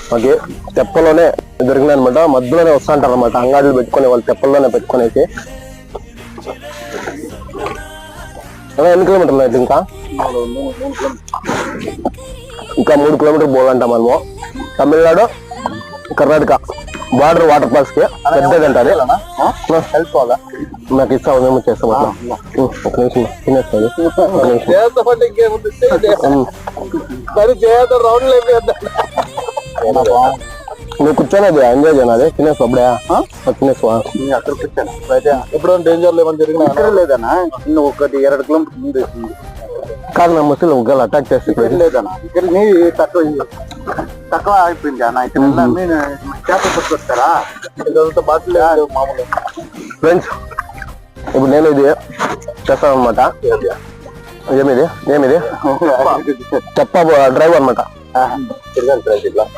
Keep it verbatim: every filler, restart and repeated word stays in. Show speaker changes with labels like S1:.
S1: మాకు తెప్పలోనే దొరికినాయి అనమాట. మధ్యలోనే వస్తా అంటారు అనమాట అంగాడులు పెట్టుకుని, వాళ్ళు తెప్పల్లోనే పెట్టుకునేసి. ఎన్ని కిలోమీటర్లు అయితే ఇంకా ఇంకా మూడు కిలోమీటర్ పోవాలంట మనము. Tamil Nadu Karnataka border waterfalls కి పెద్దదంట అది. నాకు ఇస్తావు, మేము చేస్తాం అట్లా. ఒక నిమిషం తినేస్తుంది. నువ్వు కూర్చొని ఎంజాయ్ చేయను, తినేసు అప్పుడే తినేసు.
S2: అక్కడ కూర్చోను ఎప్పుడో డేంజర్ లేవని జరిగిన లేదన్నా. ఇನ್ನು ఒకటి ಎರಡು కిలోమీటర్ ముందు
S1: కాదు నా ముసలి ఒకవేళ అటాక్ చేస్తే
S2: లేదన్నా. ఇక్కడ నీ తక్కువ తక్కువ అయిపోయింది అన్న. ఇక్కడ మీరు చేపలు పట్టుకొస్తారా? ఇదంతా బాటిల్ మామూలు.
S1: ఫ్రెండ్స్ ఇప్పుడు నేను ఇది చేస్తాను అనమాట. ఏమిది ఏమిది తెప్ప డ్రైవ్ అనమాట.